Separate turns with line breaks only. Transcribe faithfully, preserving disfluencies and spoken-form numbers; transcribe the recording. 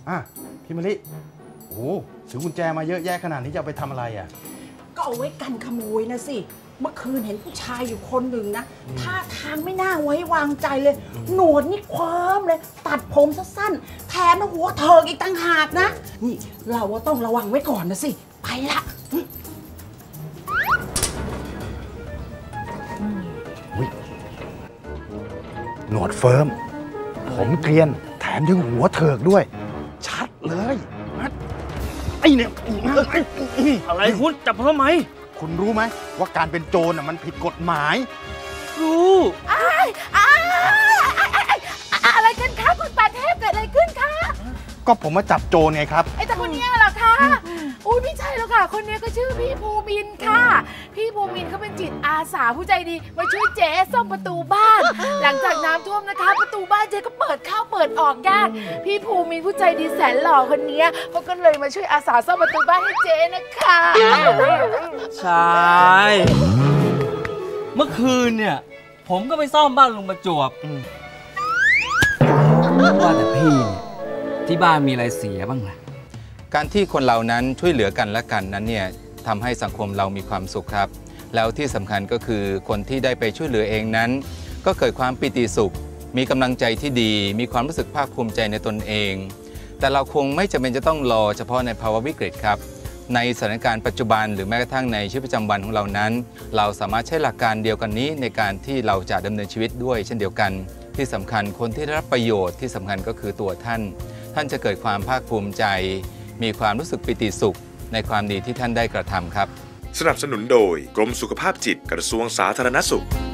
อ่ะพี่มะลิโอ้ถือกุญแจมาเยอะแยะขนาดนี้จะเอาไปทำอะไรอ่ะ
ก็เอาไว้กันขโมยนะสิเมื่อคืนเห็นผู้ชายอยู่คนหนึ่งนะท่าทางไม่น่าไว้วางใจเลยหนวดนี่คว้ามเลยตัดผมสั้นๆแถมหัวเถิกอีกต่างหากนะนี่เราว่าต้องระวังไว้ก่อนนะสิไปละ
หนวดเฟิร์มผมเกรียนแถมยังหัวเถิกด้วยชัดเลยไอ้เนี่ย
อะไรคุณจับผมทำไม
คุณรู้ไหมว่าการเป็นโจรมันผิดกฎหมาย
รู้
อะไรกันคะคุณปาเทพเกิดอะไรขึ้นคะ
ก็ผมมาจับโจรไงครับ
ไอ้แต่คนนี้เหรอคะอุ้ยไม่ใช่แล้วค่ะคนนี้ก็ชื่อพี่ภูมินค่ะพี่ภูมินเขาเป็นจิตอาสาผู้ใจดีมาช่วยเจ๊ซ่อมประตูบ้านหลังจากน้ำท่วมนะคะประตูบ้านเจ๊ก็เปิดเข้าเปิดออกยากพี่ภูมินผู้ใจดีแสนหล่อคนนี้เขาก็เลยมาช่วยอาสาซ่อมประตูบ้านให้เจ๊นะคะ
ใช่เมื่อคืนเนี่ยผมก็ไปซ่อมบ้านลุงประจวบว่าแต่พี่ที่บ้านมีอะไรเสียบ้างล่ะ
การที่คนเรานั้นช่วยเหลือกันและกันนั้นเนี่ยทำให้สังคมเรามีความสุขครับแล้วที่สำคัญก็คือคนที่ได้ไปช่วยเหลือเองนั้นก็เกิดความปิติสุขมีกำลังใจที่ดีมีความรู้สึกภาคภูมิใจในตนเองแต่เราคงไม่จำเป็นจะต้องรอเฉพาะในภาวะวิกฤตครับในสถานการณ์ปัจจุบันหรือแม้กระทั่งในชีวิตประจำวันของเรานั้นเราสามารถใช้หลักการเดียวกันนี้ในการที่เราจะดำเนินชีวิตด้วยเช่นเดียวกันที่สำคัญคนที่ได้รับประโยชน์ที่สำคัญก็คือตัวท่านท่านจะเกิดความภาคภูมิใจมีความรู้สึกปิติสุขในความดีที่ท่านได้กระทำครับ
สนับสนุนโดยกรมสุขภาพจิตกระทรวงสาธารณสุข